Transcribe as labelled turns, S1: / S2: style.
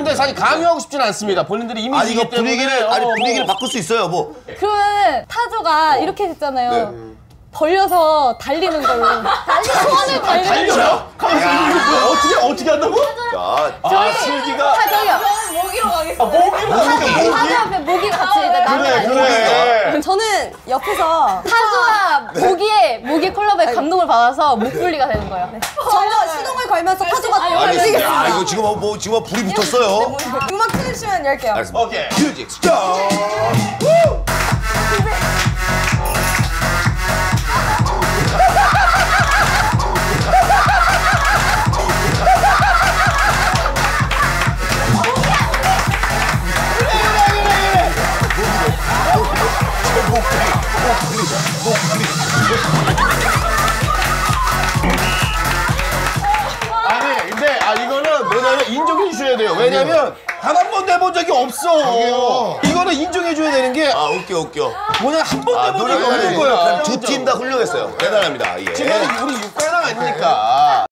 S1: 근데 사실 강요하고 싶지는 않습니다. 본인들이 이미
S2: 아니 이거 분위기를 바꿀 수 있어요. 뭐.
S3: 그러면 타조가 이렇게 됐잖아요.
S2: 네.
S3: 벌려서 달리는 걸로. 소원을 달려요?
S1: 어떻게 한다고?
S2: 자,
S1: 슬기가
S3: 타조요.
S4: 모기로 가겠습니다.
S3: 타조 앞에 모기 같이
S1: 그래.
S4: 저는 옆에서
S3: 타조와 모기의 콜라보에 감동을 받아서 목불리가 되는 거예요.
S4: 저희가 시동을 걸면서 타조가
S2: 알겠습니다. 야, 이거 지금 불이 붙었어요.
S4: 음악 틀으시면 열게요.
S2: 알겠습니다.
S1: 오케이.
S2: 뮤직 스타트.
S1: 아니 근데 이거는 뭐냐면 인정해 주셔야 돼요. 왜냐면 단 한 번도 해본 적이 없어. 이거는 인정해 줘야 되는 게
S2: 웃겨.
S1: 뭐냐 한 번도 해본 적이 없는 거야.
S2: 두 팀 다 훌륭했어요. 대단합니다. 예.
S1: 지금 우리 6관왕 아닙니까?